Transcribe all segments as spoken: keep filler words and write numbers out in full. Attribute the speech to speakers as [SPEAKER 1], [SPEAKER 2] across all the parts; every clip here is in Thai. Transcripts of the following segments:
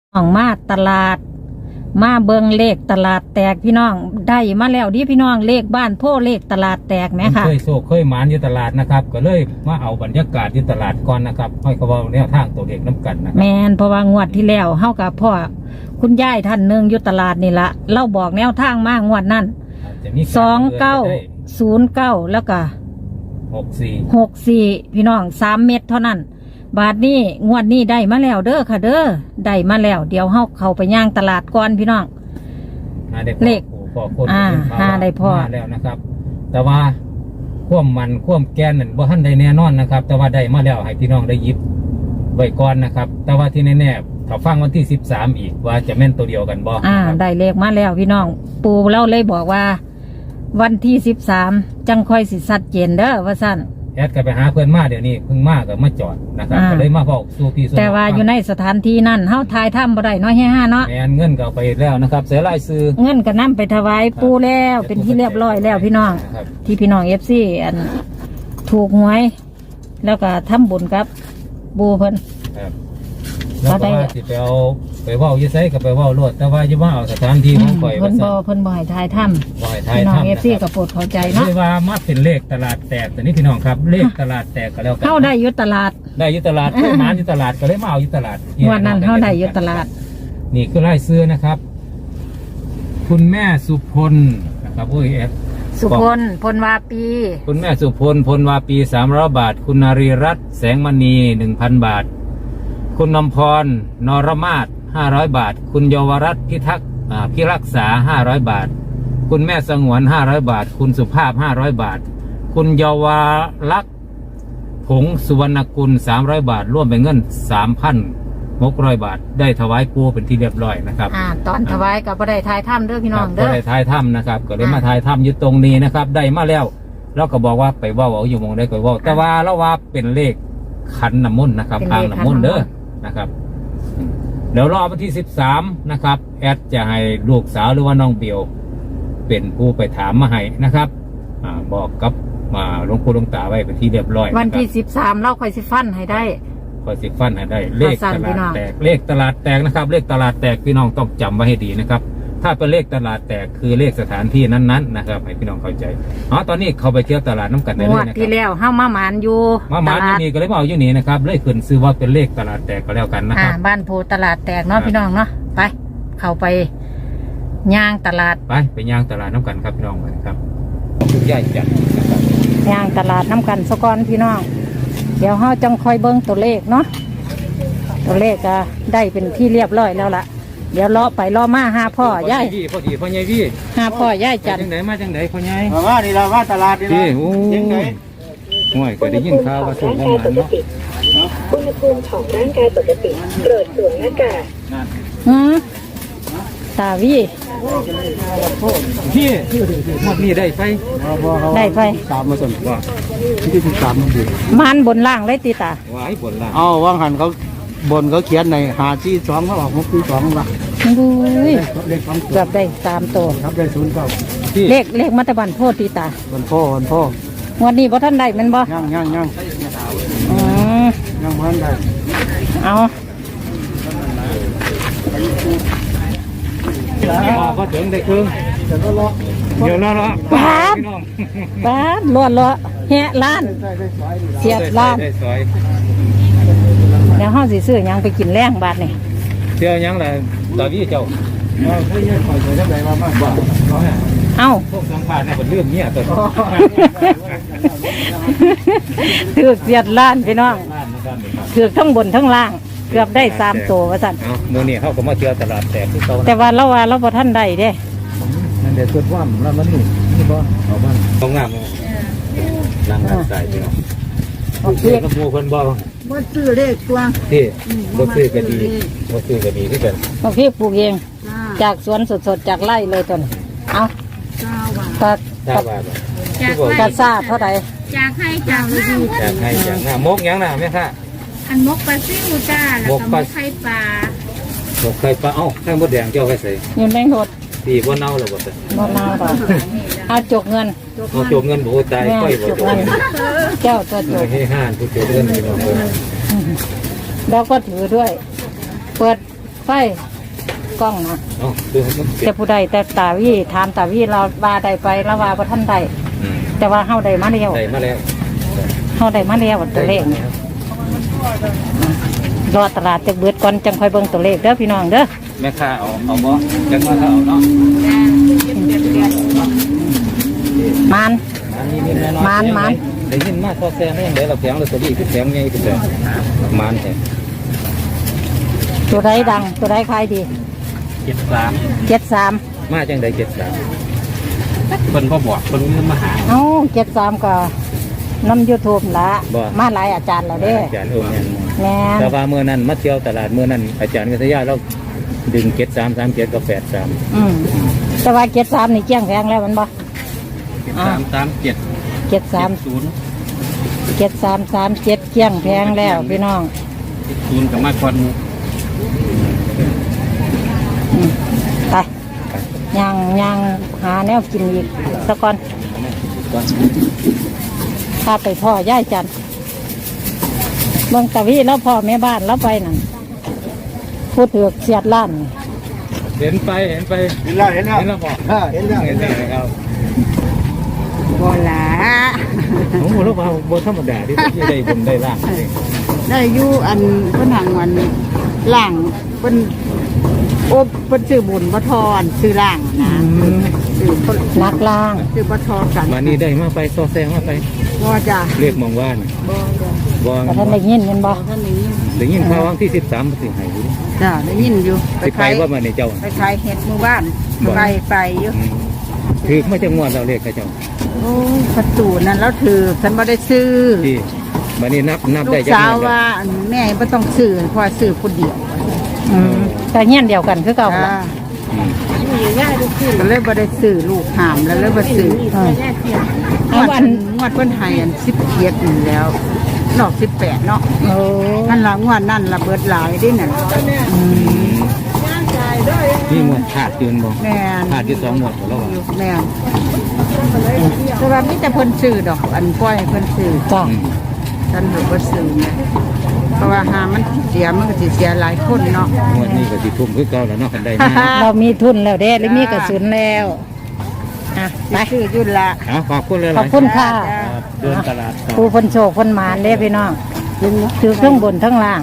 [SPEAKER 1] น้องมาตลาดมาเบิงเลขตลาดแตกพี่น้องได้มาแล้วดิพี่น้องเลขบ้านโพเลขตลาดแตกไหมคะ
[SPEAKER 2] เคยโศกเคยหมานอยู่ตลาดนะครับก็เลยมาเอาบรรยากาศที่ตลาดก่อนนะครับให้เขาบอกแนวทางตัวเลขน้ำกันนะครั
[SPEAKER 1] แมนเพราะว่างวดที่แล้วเฮากับพ่อคุณยายท่านหนึ่งอยู่ตลาดนี่ละเล่าบอกแนวทางมากงวดนั้นสองเก้าศูนย์เก้าแล้วก็
[SPEAKER 2] หกสี่
[SPEAKER 1] หกสี่พี่น้องสามเม็ดเท่านั้นบาทนี้งวดนี้ได้มาแล้วเด้อค่ะเด้อได้มาแล้วเดี๋ยวเฮาเข้าไปย่างตลาดก่อนพี่น้องเลข
[SPEAKER 2] พ่อคน
[SPEAKER 1] อ่าหาได้พ่อ
[SPEAKER 2] แล้วนะครับแต่ว่าคว่ำมันคว่ำแกนนั่นบ่ทันได้แน่นอนนะครับแต่ว่าได้มาแล้วให้พี่น้องได้ยิบไว้ก่อนนะครับแต่ว่าที่แน่ๆถ้าฟังวันที่สิบสามอีกว่าจะแม่นตัวเดียวกันบ่
[SPEAKER 1] อ่าได้เลขมาแล้วพี่น้องปู่เล่าเลยบอกว่าวันที่สิบสามจังค่อยสิชัดเจนเด้อว่าซั่น
[SPEAKER 2] แอดก็ไปหาเพื่อนมาเดี๋ยวนี้เพิ่งมาก็มาจอดนะครับก็เลยมาบอกสู่พี่สู่
[SPEAKER 1] แต่ว่าอยู่ในสถานที่นั่นเฮาทายถ้ำบ่ได้น้อยแห่ห้าเนาะ
[SPEAKER 2] แม่นเงินก็เอาไปแล้วนะครับเสียรายซื้อ
[SPEAKER 1] เงินก็นำไปถวายปู่แล้วเป็นที่เรียบร้อยแล้วพี่น้องที่พี่น้อง เอฟ ซี อันถูกหวยแล้วก็ทำบุญกับปู่เพิ่น
[SPEAKER 2] ครับแล้วก็ว่าสิไปเอาไปเว้าอยู่ไสก็ไปเว้าโลดแต่ว่าอย่ามาเอาสถานที่ของข่อย
[SPEAKER 1] เพิ่นบ่เพิ่นบ่ให้ทายถ้ำ
[SPEAKER 2] บ่ให้ทาย
[SPEAKER 1] ถ้ำพี่น้อง เอฟ ซี
[SPEAKER 2] ก็
[SPEAKER 1] โปรดเข้าใจเนาะ
[SPEAKER 2] คือว่ามาเป็นเลขตลาดแตกแต่นี่พี่น้องครับเลขตลาดแตกก็แล้วกัน
[SPEAKER 1] เฮาได้อยู่ตลาด
[SPEAKER 2] ได้อยู่ตลาดเพิ่นมาอยู่ตลาดก็เลยมาเอาอยู่ตลาด
[SPEAKER 1] วันนั้นเฮาได้อยู่ตลาด
[SPEAKER 2] นี่คือรายชื่อนะครับคุณแม่สุพลนะครับโอ้ยแอด
[SPEAKER 1] สุพลพลวาปี
[SPEAKER 2] คุณแม่สุพลพลวาปีสามร้อยบาทคุณนารีรัตน์แสงมณีหนึ่งพันบาทคุณนำพรนรมาศห้าร้อยบาทคุณเยาวรัตน์พิทักษ์พิรักษาห้าร้อยบาทคุณแม่สงวนห้าร้อยบาทคุณสุภาพห้าร้อยบาทคุณเยาวลักษณ์ผงสุวรรณกุลสามร้อยบาทร่วมเป็นเงินสามพันหกร้อยบาทได้ถวายปู่เป็นที่เรียบร้อยนะครับ
[SPEAKER 1] อ่าตอนถวายกับบ่ได้ทายถ้ำเด้อพี่น้องเด้อ
[SPEAKER 2] บ่ได้ทายถ้ำนะครับก็เลยมาทายถ้ำอยู่ตรงนี้นะครับได้มาแล้วเราก็บอกว่าไปว่าเอาอยู่มองได้ก็ว่าแต่ว่าเราว่าเป็นเลขขันน้ำมนต์นะครับอ่างน้ำมนต์เด้อนะครับเดี๋ยวรอวันที่สิบสามนะครับแอดจะให้ลูกสาวหรือว่าน้องเบียวเป็นผู้ไปถามมาให้นะครับอ่าบอกกับมาหลวงปู่หลวงตาไว้เป็นที่เรียบร้อย
[SPEAKER 1] วันที่สิบสามเราค่อยสิฟันให้ได้
[SPEAKER 2] ค่อยสิฟันให้ได้เลขตลาดแตกเลขตลาดแตกนะครับเลขตลาดแตกพี่น้องต้องจำไว้ให้ดีนะครับถ้าเป็นเลขตลาดแตกคือเลขสถานที่นั้นๆนะครับให้พี่น้องเข้าใจอ๋อตอนนี้เขาไปเที่ยวตลาดน้ำกันได้เลยนะครับ
[SPEAKER 1] ที่แล้วห้ามาหมานอยู่
[SPEAKER 2] มาหมานอยู่นี่ก็เลยมาเอาอยู่นี่นะครับเลยขึ้นซื้อว่าเป็นเลขตลาดแตกก็แล้วกันนะครับ
[SPEAKER 1] บ้านโพตลาดแตกเนาะพี่น้องเนาะไปเข้าไปย่างตลาด
[SPEAKER 2] ไปไปย่างตลาดน้ำกันครับพี่น้องครับคุณยายจัด
[SPEAKER 1] ย่างตลาดน้ำกันสกอนพี่น้องเดี๋ยวเฮาจังคอยเบิ้งตัวเลขเนาะตัวเลขก็ได้เป็นที่เรียบร้อยแล้วล่ะเดี๋ยวล้อไปล้อมาหาพ่อย่าย
[SPEAKER 2] พ่อดีพ่อใหญ่พี่
[SPEAKER 1] หาพ่อย่ายจัด
[SPEAKER 2] จังไหนมาจังไหนพ่อใหญ่
[SPEAKER 3] มาว่านี่เราว่าตลาดนี่
[SPEAKER 2] นะโอ้ยห่วยก็ได้ยินข่าวว่าส่งของมันเนาะ
[SPEAKER 4] อุณหภูมิของร่างกายปกติโปรดสวมหน้ากาก
[SPEAKER 1] อืมตาวี
[SPEAKER 2] พี่หมดนี่ได้ไป
[SPEAKER 1] ได้ไป
[SPEAKER 3] สามมาส่วนว่าที่ที่สามมันดี
[SPEAKER 1] มันบนล่างเลยตีตา
[SPEAKER 2] ว้ายบนล่าง
[SPEAKER 3] อ๋อว่างหันเขาบนเขาเขียนในหาที่สองเขาออกมุกที่สองมา
[SPEAKER 1] ดูเกือบได้ตามตัว
[SPEAKER 3] ครับได้ศูนย์เก้า
[SPEAKER 1] เลขเลขมัตตบันโพตีตา
[SPEAKER 3] วันพ่อวันพ่อ
[SPEAKER 1] วันนี้พ่ท่านได้มันบ่
[SPEAKER 3] ย่างย่างย่าง
[SPEAKER 1] อืม
[SPEAKER 3] ย่างพันได้
[SPEAKER 1] เอา
[SPEAKER 2] พอถึงได้ครึ่งเดี๋ยวรอเดี๋ยวรอรอ
[SPEAKER 1] ป้าป้าล้วนล้อแหะล้านเสียบล้านเดี๋ยวห้องสีซื้อยังไปกินแรงบาทนี่
[SPEAKER 2] เที่ยวยังแหละตอนนี้เจ้า
[SPEAKER 3] เอาเพื่อนคอยจะได้มามากกว่า
[SPEAKER 1] เอ้า
[SPEAKER 2] พวกสังขารเนี่ยเป็นเรื่องเนี้ยตัว
[SPEAKER 1] ถือเสียบล้านพี่น้องถือทั้งบนทั้งล่างเกือบได้สามตัวว่าสั่น
[SPEAKER 2] โมนี่เขาก็มาเที่ยวตลาดแตกที่เขา
[SPEAKER 1] แต่ว่าเราว่าเราพอท่านได้เด้
[SPEAKER 2] นั่นเดี๋ยวตัวว่ำแล้วมันนี่นี่บ่เอาบ้างต้องงามนั่งใส่พี่น้องเพื่อนกับโมคนบ่
[SPEAKER 1] บ่ซื้อเลขตัว
[SPEAKER 2] ที่บ่ซื้อก็ดีบ่ซื้อก็ดีที่กัน
[SPEAKER 1] บางทีปลูกเองจากสวนสดๆจากไร่เลยต้นเอาตัดตัดตัดซาเท่าไหร่
[SPEAKER 5] จากให้จากหน้า
[SPEAKER 2] จากให้จากหน้ามกยังน่ะแม่ค่ะ
[SPEAKER 5] อันมกปลาซิ่วจ้าแล้วก็มกไข่ปลา
[SPEAKER 2] หมกไข่ปลาเอ้าไข่มดแดงเจ้าไข่ใส่
[SPEAKER 1] เงินแบงค์หด
[SPEAKER 2] ตีบ่เน่าหรอบ่แต่
[SPEAKER 1] บ่เน่าหรอเอาจกเงิน
[SPEAKER 2] เอาจกเงินบ่ตายค่อยบ่จกเงิน
[SPEAKER 1] เจ้าตัวจก
[SPEAKER 2] ให้ห้านผู้จกเงินพี่น้องเอ้ย
[SPEAKER 1] แล้วก็ถือด้วยเปิดไฟกล้องนะ
[SPEAKER 2] เอ้าดูให้มันเปลี่ย
[SPEAKER 1] แต่
[SPEAKER 2] น
[SPEAKER 1] ผู้ใดแต่ตาวีถามตาวีเราว่าใดไปแล้วว่าบ่ท่านใด
[SPEAKER 2] อืม
[SPEAKER 1] แต่ว่าเฮาได้มาแล้ว
[SPEAKER 2] ได้มาแล้ว
[SPEAKER 1] เฮาได้มาแล้วตัวเลขนี่รอตลาดจะเบิดก่อนจังค่อยเบิ่งตัวเลขเด้อพี่น้องเด้อ
[SPEAKER 2] แม่ค้าเอาเอาบ่จังว่าเขาเอาเนาะ
[SPEAKER 1] มาน
[SPEAKER 2] อันนี้มีแน่นอน
[SPEAKER 1] มานมาน
[SPEAKER 2] ได้ยินมาทอแซงได้ยังไงเราแพงลอตเตอรี่คือแพงไงคือแพงมานแท้
[SPEAKER 1] ตัวใดดังตัวใดขายดี
[SPEAKER 2] เจ็ดสาม
[SPEAKER 1] เจ็ดสาม
[SPEAKER 2] มาจังไดเจ็ดสามเพิ่นบ่บอกเพิ่นมีมาหา
[SPEAKER 1] เอ้าเจ็ดสามก็น้ำยูทูบละ
[SPEAKER 2] บ่
[SPEAKER 1] มาหลายอาจารย์แล้วเด้
[SPEAKER 2] อาจารย์โอ้แม่น
[SPEAKER 1] แม่น
[SPEAKER 2] แต่ว่าเมื่อนั้นมาเที่ยวตลาดเมื่อนั้นอาจารย์กัทยาเราดึงเจ็ดสามสามเจ็ดกับแปดสาม
[SPEAKER 1] อืมแต่ว่าเจ็ดสามนี่เกี้ยงแพงแล้วมันบ่
[SPEAKER 2] เจ็ดสามสามเจ็ด
[SPEAKER 1] เจ็ดสาม
[SPEAKER 2] ศูนย์
[SPEAKER 1] เจ็ดสามสามเจ็ดเกี้ยงแพงแล้วพี่น้อง
[SPEAKER 2] ศูนย์กับมาก่อน
[SPEAKER 1] อืมไปย่างย่างหาแนวกินอีกสักก่อน
[SPEAKER 2] ก่อน
[SPEAKER 1] พาไปพ่อย่ายจันทร์เมืองตะวีแล้วพ่อแม่บ้านแล้วไปนั่นพูดถือกเสียดล้าน
[SPEAKER 2] เห็นไปเห็นไป
[SPEAKER 3] เห็นแล้วเห็นแล้ว
[SPEAKER 2] เห็นแล้วบอก
[SPEAKER 3] เออเห็นแล้ว
[SPEAKER 2] เห็
[SPEAKER 3] เห็
[SPEAKER 2] น
[SPEAKER 3] น
[SPEAKER 2] แล้
[SPEAKER 3] แล้ว ว
[SPEAKER 2] ครับ
[SPEAKER 5] โบลา
[SPEAKER 2] โอ้โหแล้วว่าบนธรรมดาที่ที่ได้บนได้ล่างเอง
[SPEAKER 5] ได้อยู่อันเพิ่นหังวันล่างเพิ่นโอ้เพิ่นซื้อบุญบ่ทอนซื้อล่างนะซื้อเพิ่น
[SPEAKER 1] นักล่าง
[SPEAKER 5] ซื้อบ่ทอกัน
[SPEAKER 2] มานี่ได้มาไปซอแซงมาไป
[SPEAKER 5] บ่จ้ะ
[SPEAKER 2] เรียกมองว่าน
[SPEAKER 5] บ่จ้ะ
[SPEAKER 2] บอง
[SPEAKER 1] แต่ท่านได้ยินเห็นบ่
[SPEAKER 5] ท่านนี้
[SPEAKER 2] ได้ยินข่าววันที่สิบสามสิงหาคม
[SPEAKER 5] จ้ะได้ยินอยู่
[SPEAKER 2] สิไปว่ามาในเจ้า
[SPEAKER 5] ไปขายเห็ดหมู่บ้านไปไปอยู่
[SPEAKER 2] อืมถือไม่จะงวดเราเรียกเขาเจ้า
[SPEAKER 5] โอ้ประตูนั้นแล้วถือฉันบ่ได้ซื้อ
[SPEAKER 2] ที่มานี่นับนับ
[SPEAKER 5] ลู
[SPEAKER 2] ได้
[SPEAKER 5] ก
[SPEAKER 2] จัง
[SPEAKER 5] สาว
[SPEAKER 2] หวัด
[SPEAKER 5] ว่าอันแม่บ่ต้องซื้อเพราะซื้อคนเดียว
[SPEAKER 1] อืมแต่เงี้ยนเดียวกันคือเก่า
[SPEAKER 5] จ้า
[SPEAKER 1] ละ
[SPEAKER 2] อืม
[SPEAKER 5] ก็เลยบ่ได้ซื้อลูกหามแล้วเลยบ่ซื้อ
[SPEAKER 1] เออ
[SPEAKER 5] ง
[SPEAKER 1] เอา
[SPEAKER 5] วด
[SPEAKER 1] วัน
[SPEAKER 5] งวดเพิ่นให้อันสิบเจ็ดนี่แล้วนอกสิบแปดเนาะ
[SPEAKER 1] โอ้
[SPEAKER 5] นั่นละงวดนั่นละเบิดหลายเดิน่ะ
[SPEAKER 2] นี่งวดขาดยืนบ่
[SPEAKER 5] แม่น
[SPEAKER 2] ขาดที่สองงวดแล้วว่า
[SPEAKER 5] แม่นแต่ว่ามีแต่เพิ่นซื้อดอก อันปล่อยให้เพิ่นซื้อ
[SPEAKER 1] จ้ะ
[SPEAKER 2] อืม
[SPEAKER 5] ฉันบ่บ่ซื้อแม่เพราะว่าหามันเสียมันก็สิเสียหลายคนเนาะ
[SPEAKER 2] งวดนี้ก็สิทุ่มคือเก่าแล้วเนาะคันได้มา
[SPEAKER 1] เรามีทุนแล้วเด้หรือมีกระสุนแล้วอ่ะไป
[SPEAKER 5] ไปซื้อยุ่นละ
[SPEAKER 2] เอาขอบคุณเลย
[SPEAKER 1] ขอบคุณค่ะ
[SPEAKER 2] ครับเดินตลาดต่อ
[SPEAKER 1] ผู้คนโชคคนหมานเด้พี่น้องถือเครื่องบนทั้งล่าง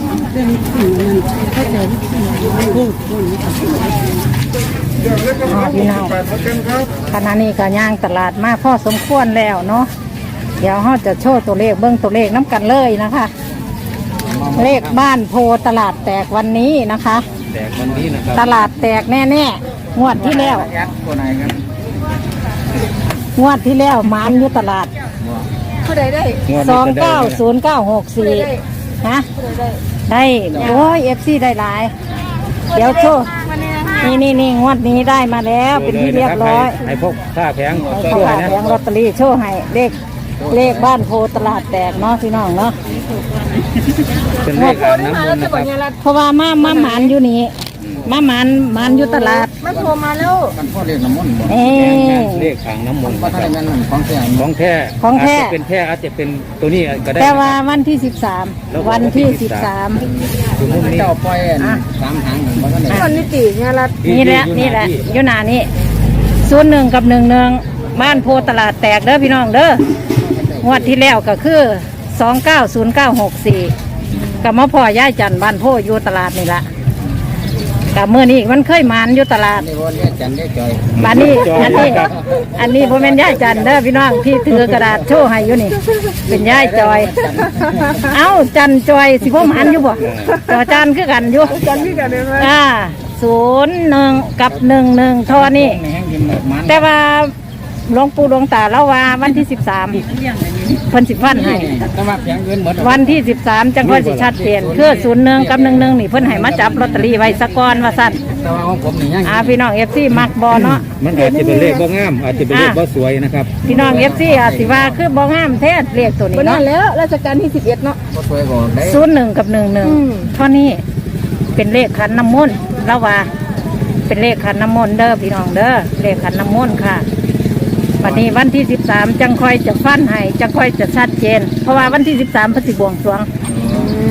[SPEAKER 1] อ๋อพี่น้องขณะนี้ก็ย่างตลาดมาพอสมควรแล้วเนาะเดี๋ยวเราจะโชว์ตัวเลขเบิ้งตัวเลขน้ำกันเลยนะคะ เลขบ้านโพตลาดแตกวันนี้นะคะ
[SPEAKER 2] แต่วันนี้นะครับ
[SPEAKER 1] ตลาดแตกแน่ๆงวดที่แล้ว
[SPEAKER 2] ยัดตัวไหนครับ
[SPEAKER 1] งวดที่แล้วหมานอยู่ตลาด
[SPEAKER 5] ผู้ใดได้
[SPEAKER 2] งวด
[SPEAKER 1] ส
[SPEAKER 2] นี้
[SPEAKER 1] อง
[SPEAKER 2] จะได้
[SPEAKER 1] เก้าศูนย์เก้าหกสี่ฮะได้โอ้ยเอฟซีได้หลาย เดี๋ยวโชว์นี่นี่นี่งวดนี้ได้มาแล้วเป็นที่เรียบร้อย
[SPEAKER 2] ให้พวกค่าแพง
[SPEAKER 1] ให้
[SPEAKER 2] ช่
[SPEAKER 1] เขา
[SPEAKER 2] วย
[SPEAKER 1] ขาย
[SPEAKER 2] นะ
[SPEAKER 1] แผงลอตเตอรี่โชว์ให้เลขเลขบ้านโพตลาดแตกเนาะพี่น้องเนาะ
[SPEAKER 2] เป็นเลขอ่างน้ำมนต์นะครับ
[SPEAKER 1] เพราะว่ามามาหมานอยู่นี่มาหมานหมานอยู่ตลาด
[SPEAKER 5] มันโทรมาแล้ว
[SPEAKER 1] เอ๊
[SPEAKER 2] เลขอ่างน้ำมนต์นะครับ
[SPEAKER 3] ของแท้
[SPEAKER 2] ของแท้
[SPEAKER 1] ของแท้
[SPEAKER 2] อาจจะเป็นแท้อาจจะเป็นตัวนี้ก็ได้
[SPEAKER 1] แต่
[SPEAKER 2] นะ
[SPEAKER 1] ว่า
[SPEAKER 2] ครับ
[SPEAKER 1] วันที่สิบสามวันที่สิบสาม
[SPEAKER 2] อยู่มุมนี้
[SPEAKER 3] เจ้าปล่อยสามหางมันก็ได้
[SPEAKER 5] คนนิติเนี่ยละ
[SPEAKER 1] นี่แหละนี่แหละอยู่หนานี่ศูนย์หนึ่งกับหนึ่งหนึ่งบ้านโพตลาดแตกเด้อพี่น้องเด้องวดที่แล้วก็คือสองเก้าศูนย์เก้าหกสี่กับมะพ่อย่ายจันทร์บ้านโพอยู่ตลาดนี่ละกับเมื่อนี้มันเคยหมานอยู่ตลาด
[SPEAKER 3] นี่วันนี้จันได้จอย
[SPEAKER 1] บ้านนี้อันนี้อันนี้พ่อแม่นย่ายจันทร์เด้อพี่น้องที่ถือกระดาษโชว์ให้อยู่นี่ เป็นย่ายจอย เอ้าจันจอยสิพ่อหมานอยู่บ่จอจันคือกันอยู่
[SPEAKER 5] จันพี่กันได้ไหม
[SPEAKER 1] อ่าศูนย์หนึ่งกับหนึ่งหนึ่งทอนี่
[SPEAKER 3] แห้งกินแบบมัน
[SPEAKER 1] แต่ว่าหลวงปู่หลวงตาเล่าว่าวันที่สิบสามเพิ่นสิบวันให้
[SPEAKER 3] แต่ว่าเพียงเงินหมด
[SPEAKER 1] วันที่สิบสามจังค่อยสิชัดเจนคือศูนย์หนึ่งกับหนึ่งหนึ่งนี่เพิ่นให้มาจับลอตเตอรี่ไว้สะก่อนว่าสั่น
[SPEAKER 3] แต่ว่าของผมนี่ยัง
[SPEAKER 1] อ่าพี่น้องเอฟซีมักบอเนาะ
[SPEAKER 2] มันอาจจะเป็นเลขบ่งามอาจจะเป็นเลขบ่สวยนะครับ
[SPEAKER 1] พี่น้องเอฟซีอาจสิว่าคือบ่งามแท้เลขตัวนี้
[SPEAKER 5] วันนั้
[SPEAKER 1] เนาะ
[SPEAKER 5] นแล้วราชการที่สิบเอ็ดเนาะ
[SPEAKER 3] ก็สวยกว่าได้
[SPEAKER 1] ศูนย์หนึ่งกับหนึ่งหนึ่งเท่านี้เป็นเลขขันน้ำมนต์แล้วว่า เป็นเลขขันน้ำมนต์เด้อพี่น้องเด้อเลขขันน้ำมนต์ค่ะวันนี้วันที่สิบสามจังค่อยจะฟันให้จังค่อยจะชัดเจน เพราะว่าวันที่สิบสามพฤศจิบวงสรวง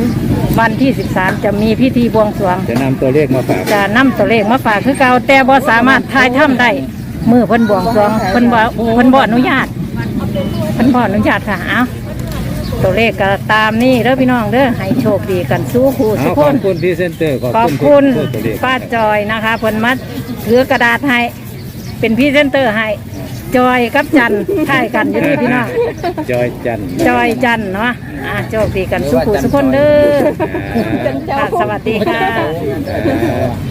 [SPEAKER 1] วันที่สิบสามจะมีพิธีบวงสรวง
[SPEAKER 2] จะนำตัวเลขมาฝาก
[SPEAKER 1] จะนำตัวเลขมาฝากคือเก่าแต่บ่สามารถทายถ้ำได้มือเพิ่นบวงสรวงเพิ่นบ่เพิ่นบ่อนุญาตเพิ่นบ่อนุญาตค่ะเอาตัวเลขก็ตามนี่เด้อพี่น้องเด้อให้โชคดีกันสู้คู่
[SPEAKER 2] เอา
[SPEAKER 1] สุก
[SPEAKER 2] ข
[SPEAKER 1] ค
[SPEAKER 2] อบ
[SPEAKER 1] น
[SPEAKER 2] คุณพี่เซนเตอร์
[SPEAKER 1] ขอบคุณ
[SPEAKER 2] ทุกตัวเลข
[SPEAKER 1] ป้าจอยนะคะเพิ่นมัดถือกระดาษให้เป็นพรี่เซนเตอร์ให้จอยกับจันท่ายกันอยู่ที่พี่น้อง
[SPEAKER 2] จอยจันทร์
[SPEAKER 1] จอยจันเนาะอ่ะโชคดีกันสู้คู่สุกคนเด้อค่ะสวัสดีค่ะ
[SPEAKER 2] อ่า